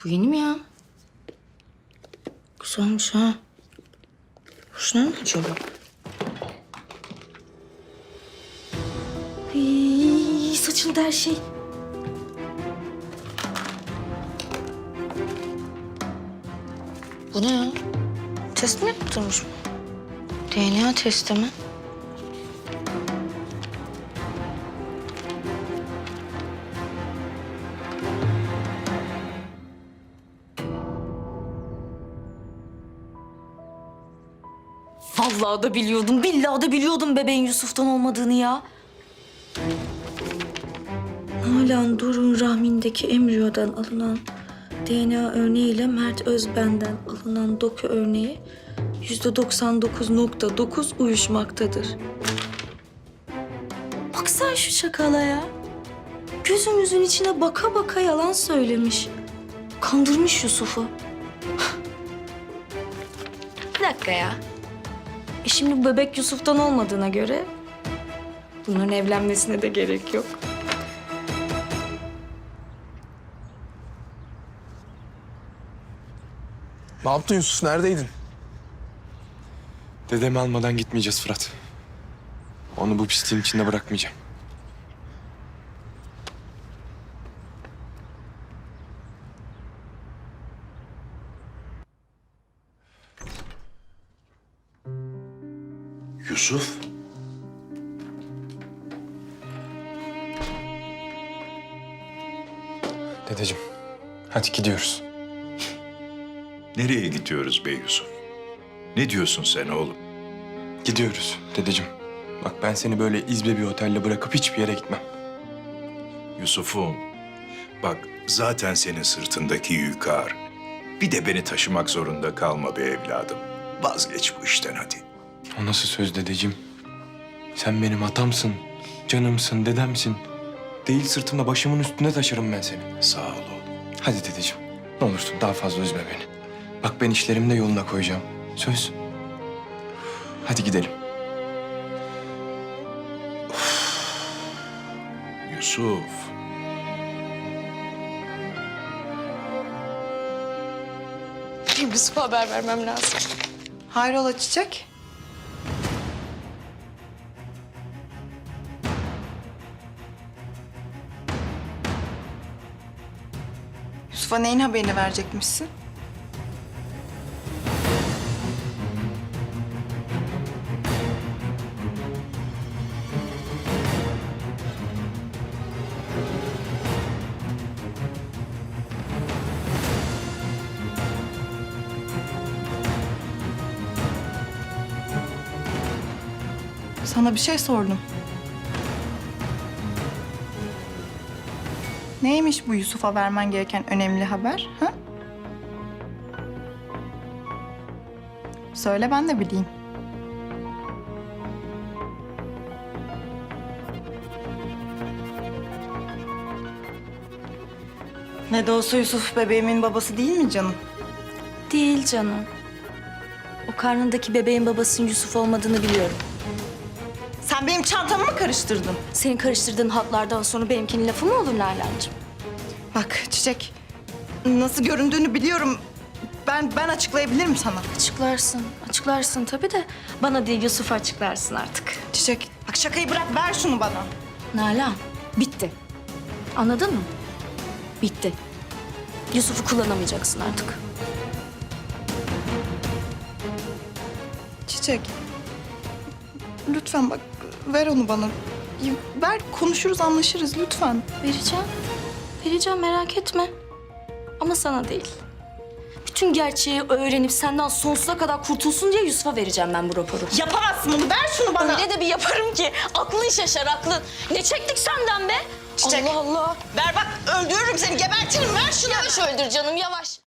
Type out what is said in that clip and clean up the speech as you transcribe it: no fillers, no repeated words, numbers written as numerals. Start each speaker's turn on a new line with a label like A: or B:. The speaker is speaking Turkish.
A: Bu yeni mi ya? Güzelmiş ha. Hoşuna mı acaba? Ay, saçıldı her şey. Bu ne ya? Test mi yaptırmış bu? DNA testi mi? Vallahi da biliyordum, billahi da biliyordum bebeğin Yusuf'tan olmadığını ya. Nalan Doruk'un rahmindeki embriyodan alınan DNA örneğiyle Mert Özben'den alınan doku örneği %99,9 uyuşmaktadır. Bak sen şu çakala ya. Gözümüzün içine baka baka yalan söylemiş. Kandırmış Yusuf'u. Bir dakika ya. Şimdi bu bebek Yusuf'tan olmadığına göre bunların evlenmesine de gerek yok.
B: Ne yaptın Yusuf? Neredeydin?
C: Dedemi almadan gitmeyeceğiz Fırat. Onu bu pisliğin içinde bırakmayacağım.
D: Yusuf,
C: Dedeciğim, hadi gidiyoruz.
D: nereye gidiyoruz be Yusuf? Ne diyorsun sen oğlum?
C: Gidiyoruz dedeciğim. Bak ben seni böyle izbe bir otelde bırakıp hiçbir yere gitmem.
D: Yusuf'um, bak zaten senin sırtındaki yük ağır. Bir de beni taşımak zorunda kalma be evladım. Vazgeç bu işten hadi.
C: O nasıl söz dedeciğim? Sen benim atamsın, canımsın, dedemsin. Değil sırtımda başımın üstünde taşırım ben seni.
D: Sağ ol oğlum.
C: Hadi dedeciğim, ne olursun daha fazla üzme beni. Bak ben işlerimi de yoluna koyacağım. Söz. Hadi gidelim.
D: Yusuf,
A: Yusuf'a haber vermem lazım.
E: Hayrola Çiçek? Yusuf'a neyin haberini verecekmişsin? Sana bir şey sordum. Neymiş bu Yusuf'a vermen gereken önemli haber? Ha? Söyle ben de bileyim. Ne de olsa Yusuf bebeğimin babası değil mi canım?
A: Değil canım. O karnındaki bebeğin babasının Yusuf olmadığını biliyorum.
E: Sen benim çantamı mı karıştırdın?
A: Senin karıştırdığın hatlardan sonra benimkinin lafı mı olur Nalan'cığım?
E: Bak Çiçek, nasıl göründüğünü biliyorum. Ben açıklayabilirim sana.
A: Açıklarsın tabii de bana değil Yusuf'a açıklarsın artık.
E: Çiçek, bak şakayı bırak, ver şunu bana.
A: Nalan, bitti. Anladın mı? Bitti. Yusuf'u kullanamayacaksın artık.
E: Çiçek, lütfen bak, ver onu bana. Ver, konuşuruz, anlaşırız lütfen.
A: Vereceğim merak etme. Ama sana değil. Bütün gerçeği öğrenip senden sonsuza kadar kurtulsun diye Yusuf'a vereceğim ben bu raporu.
E: Yapamazsın bunu, ver şunu bana.
A: Öyle de bir yaparım ki aklın şaşar aklın. Ne çektik senden be?
E: Çiçek.
A: Allah Allah.
E: Ver bak, öldürürüm seni, gebertirim, ver şunu.
A: Yavaş öldür canım yavaş.